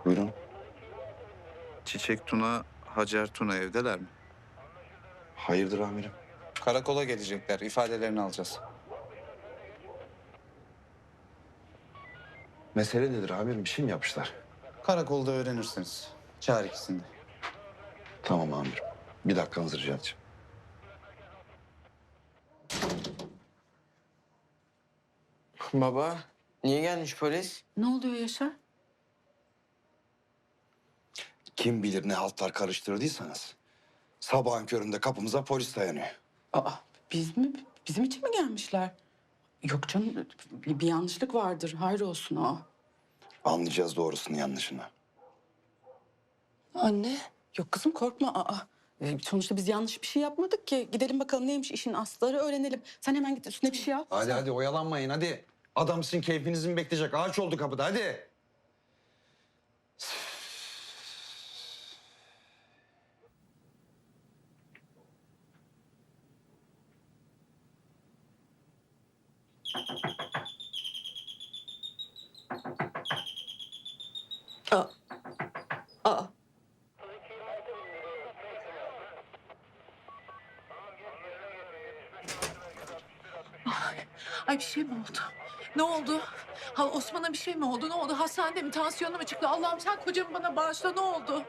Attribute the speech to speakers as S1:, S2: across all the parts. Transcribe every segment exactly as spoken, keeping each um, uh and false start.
S1: Buyurun.
S2: Çiçek Tuna, Hacer Tuna evdeler mi?
S1: Hayırdır amirim?
S2: Karakola gelecekler. İfadelerini alacağız.
S1: Mesele nedir amirim? Bir şey mi yapmışlar?
S2: Karakolda öğrenirsiniz. Çağır ikisini de.
S1: Tamam amirim. Bir dakikanızı rica edeceğim.
S3: Baba, niye gelmiş polis?
S4: Ne oluyor Yaşar?
S1: Kim bilir ne haltlar karıştırdıysanız. Sabahın köründe kapımıza polis dayanıyor.
S4: Aa, biz mi? Bizim için mi gelmişler? Yok canım, bir, bir yanlışlık vardır. Hayır olsun o.
S1: Anlayacağız doğrusunu yanlışını.
S4: Anne. Yok kızım korkma. Aa, e, sonuçta biz yanlış bir şey yapmadık ki. Gidelim bakalım neymiş işin asları öğrenelim. Sen hemen git üstüne bir şey al.
S1: Hadi hadi oyalanmayın hadi. Adam sizin keyfinizi mi bekleyecek? Ağaç oldu kapıda hadi.
S4: Aa. Aa.
S5: Ay bir şey mi oldu? Ne oldu? Ha Osman'a bir şey mi oldu? Ne oldu? Hastanede mi? Tansiyonu mu çıktı? Allah'ım sen kocamı bana bağışla. Ne oldu?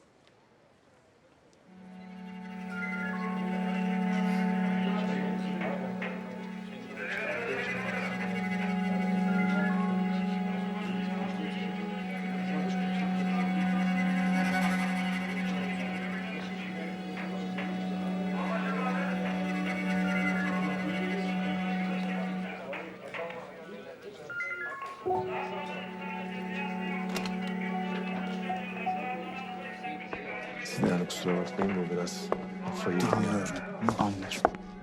S6: Siz de yani kusura bakmayın bu biraz kafayı...
S2: Anlıyorum. Anlıyorum.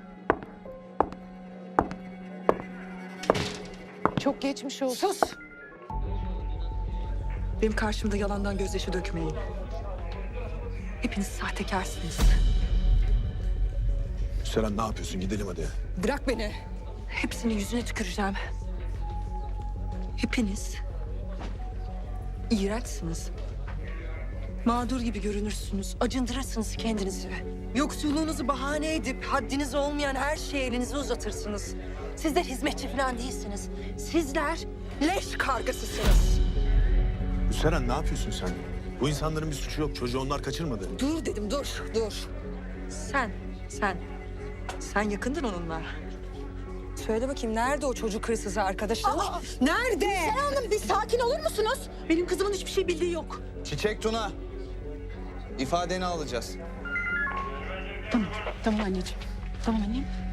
S5: Çok geçmiş olsun.
S7: Sus! Benim karşımda yalandan gözyaşı dökmeyin. Hepiniz sahtekarsınız.
S6: Seren ne yapıyorsun? Gidelim hadi.
S7: Bırak beni. Hepsinin yüzüne tüküreceğim. Hepiniz iğrençsiniz. Mağdur gibi görünürsünüz. Acındırırsınız kendinizi. Yoksulluğunuzu bahane edip haddiniz olmayan her şeye elinizi uzatırsınız. Sizler hizmetçi falan değilsiniz. Sizler leş kargasısınız.
S6: Seren ne yapıyorsun sen? Bu insanların bir suçu yok. Çocuğu onlar kaçırmadı.
S7: Dur dedim, dur, dur. Sen, sen, sen yakındın onunla. Söyle bakayım, nerede o çocuk hırsızı arkadaşın? Nerede?
S4: Sen Hanım bir sakin olur musunuz? Benim kızımın hiçbir şey bildiği yok.
S2: Çiçek Tuna. İfadeni alacağız.
S4: Tamam, tamam anneciğim. Tamam annem.